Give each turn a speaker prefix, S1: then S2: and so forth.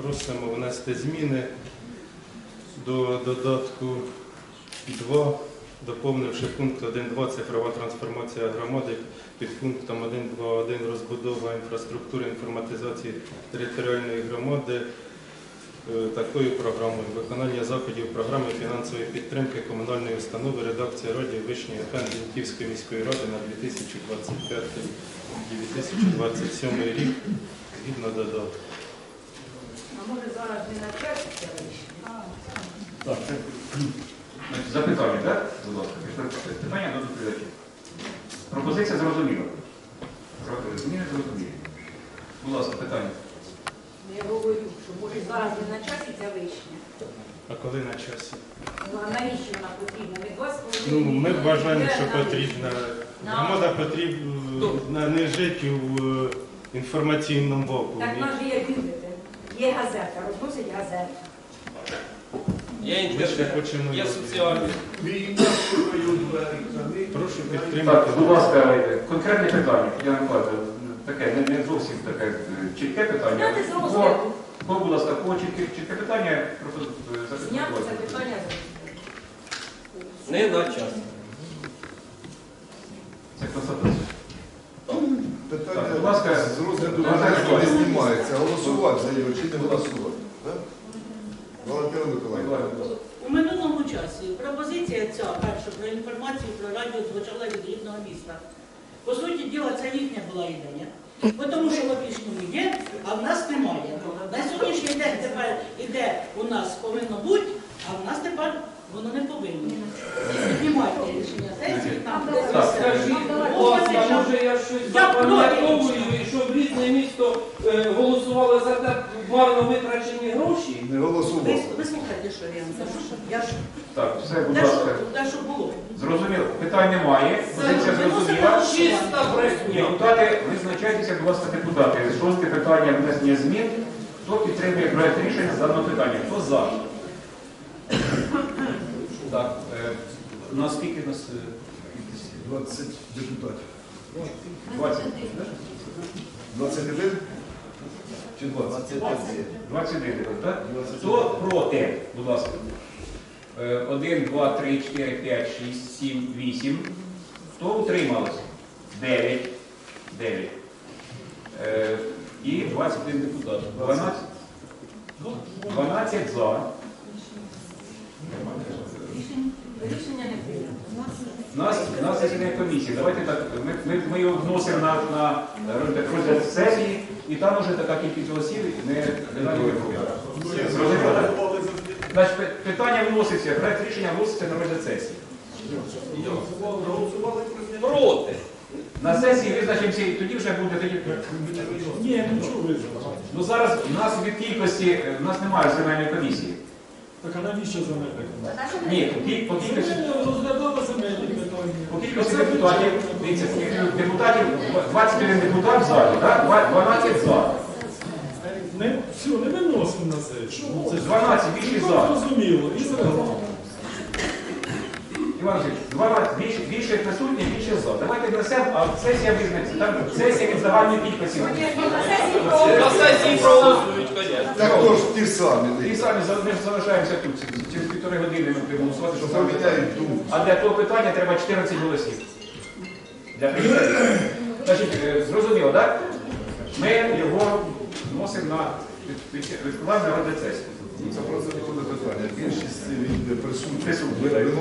S1: Просимо внести зміни до додатку 2, доповнивши пункт 1.2 «Цифрова трансформація громади» під пунктом 1.2.1 «Розбудова інфраструктури інформатизації територіальної громади» такою програмою. Виконання заходів програми фінансової підтримки комунальної установи редакція радіо Вишня ФМ Зіньківської міської ради на 2025-2027 рік згідно додатку.
S2: А може зараз не на час це вийшло?
S3: Так, це запитання, так? Будь ласка, питання до доповідачів. Пропозиція зрозуміла. Зміни зрозумілі. Будь ласка, питання.
S2: Я говорю, що може зараз не на часі ця вишня.
S1: А коли на часі?
S2: Ну, а навіщо вона потрібна? Ми 2,5
S1: Ну, ми
S2: мільйони
S1: вважаємо,
S2: бере
S1: що
S2: на
S1: потрібна.
S2: На-
S1: Громада потрібна не жити в інформаційному
S2: Так
S1: вакуумі.
S2: в нас же є бюлетень, є газета, розносить газета.
S4: Я
S1: Ми ще
S4: інтернет,
S1: хочемо.
S4: я соціальний.
S1: Прошу
S3: Так,
S1: підтримати.
S3: будь ласка, конкретне питання. Я не кажу, таке, не зовсім таке чітке питання.
S2: Зняти з розгляду.
S3: Будь ласка, по чітке питання, просто
S2: Зняти це
S3: запитання.
S2: питання.
S4: Не на час.
S3: Це констатація.
S5: Питання,
S3: Так, будь ласка,
S5: з розгляду
S3: Наталя
S5: питання не
S3: Миколаївна.
S5: знімається. Голосувати за його чи не голосувати? Так? Валентина Миколаївна.
S6: У минулому часі пропозиція ця перша про інформацію про радіо звучала від рідного міста. По суті діла, це їхня була ідея. Тому що в Опішному є, а в нас немає. На сьогоднішній день тепер іде у нас повинно бути, а в нас тепер воно не повинно. Піднімайте рішення сесії, там де
S3: Так,
S4: Скажіть, будь ласка, може я щось
S6: Я проти.
S4: запам'ятовую, і щоб рідне місто голосувало за те марно витрачені гроші?
S5: Не голосував.
S6: ви слухайте, що я вам кажу. Я ж
S3: Так, все, будь ласка.
S6: те, що було.
S3: Зрозуміло, питань немає, позиція зрозуміла.
S4: Чиста брехня.
S3: Депутати, визначайтеся, будь ласка, депутати. Шосте питання внесення змін. Хто підтримує проект рішення з даного питання? Хто за? Так, у нас скільки нас?
S5: 20 депутатів.
S3: 20.
S5: 21 чи 20?
S3: 21 депутат. Хто проти? Будь ласка. 1, 2, 3, 4, 5, 6, 7, 8. Хто утрималось? 9. 9. І 21 депутат. 12. 12 за.
S2: Рішення не прийнято.
S3: У нас засідання комісії. Давайте так, ми його вносимо на розгляд сесії, і там уже така кількість голосів не зрозуміло, так? Значить, питання вноситься, проект рішення вноситься на розгляд сесії.
S4: Проти.
S3: На сесії визначимося, і тоді вже буде тоді.
S7: Ні, нічого визнати.
S3: Ну зараз у нас від кількості, у нас немає земельної комісії.
S7: Так а навіщо земельна комісія?
S3: Ні, по кількості.
S7: Розглядали земельні питання.
S3: По кількості депутатів, дивіться, депутатів, 21 депутат в залі, так? 12 за.
S7: Все, не виносимо на це. Що? Це
S3: 12 більше за.
S7: зрозуміло. І з регламентом.
S3: Іван Васильович, 12 більше присутні, більше за. Давайте внесемо, а сесія визнається. Там сесія від загальної кількості.
S4: На сесії проголосують, звісно.
S5: Так то ж ті самі.
S3: І самі ми залишаємося тут. Через 1,5 години ми будемо голосувати, що саме питання.
S5: Поміняють думку.
S3: А для того питання треба 14 голосів. Для прийняття. Значить, зрозуміло, так? Ми його вносимо на відкладання розгляд сесії.
S5: Це просто не буде питання. Більшість від присутніх.
S3: Присутніх.